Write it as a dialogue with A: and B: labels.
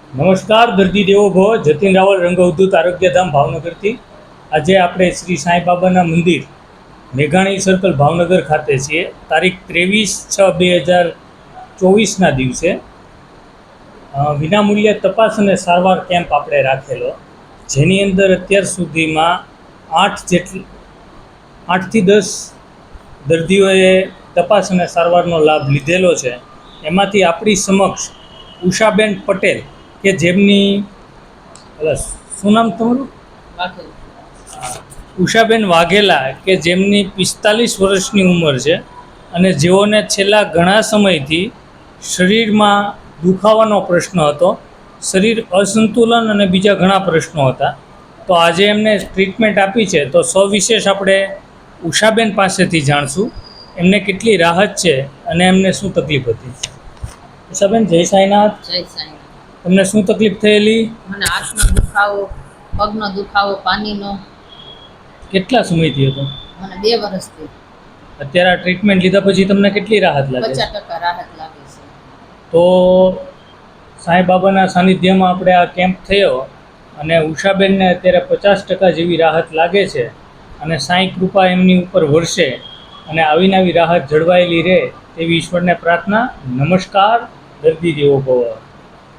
A: નમસ્કાર દર્દી દેવો ભવ. જતીન રાવલ, રંગ અવધૂત આરોગ્યધામ ભાવનગરથી. આજે આપણે શ્રી સાંઈ બાબાના મંદિર મેઘાણી સર્કલ ભાવનગર ખાતે છીએ. તારીખ 23/6/2024ના દિવસે વિનામૂલ્યે તપાસ અને સારવાર કેમ્પ આપણે રાખેલો, જેની અંદર અત્યાર સુધીમાં 8થી 10 દર્દીઓએ તપાસ અને સારવારનો લાભ લીધેલો છે. એમાંથી આપણી સમક્ષ ઉષાબેન પટેલ કે જેમની શું નામ તમારું? ઉષાબેન વાઘેલા કે જેમની 45 વર્ષની ઉંમર છે અને જેઓને છેલ્લા ઘણા સમયથી શરીરમાં દુખાવાનો પ્રશ્ન હતો, શરીર અસંતુલન અને બીજા ઘણા પ્રશ્નો હતા. તો આજે એમને ટ્રીટમેન્ટ આપી છે, તો સવિશેષ આપણે ઉષાબેન પાસેથી જાણશું એમને કેટલી રાહત છે અને એમને શું તકલીફ હતી. ઉષાબેન, જય સાંઈનાથ.
B: જય સાંઈ.
A: તમને શું તકલીફ થયેલી?
B: મને હાથનો દુખાવો, પગનો દુખાવો, પાણીનો.
A: કેટલા સમયથી હતો?
B: મને 2 વર્ષથી.
A: અત્યારે આ ટ્રીટમેન્ટ લીધા પછી તમને કેટલી રાહત લાગે?
B: 50% રાહત લાગે છે.
A: તો સાંઈ બાબાના સાનિધ્યમાં આપણે આ કેમ્પ થયો અને ઉષાબેનને અત્યારે 50% જેવી રાહત લાગે છે અને સાંઈ કૃપા એમની ઉપર વરસે અને આવીને આવી રાહત જળવાયેલી રહે તેવી ઈશ્વરને પ્રાર્થના. નમસ્કાર. દર્દી દેવો ભવ.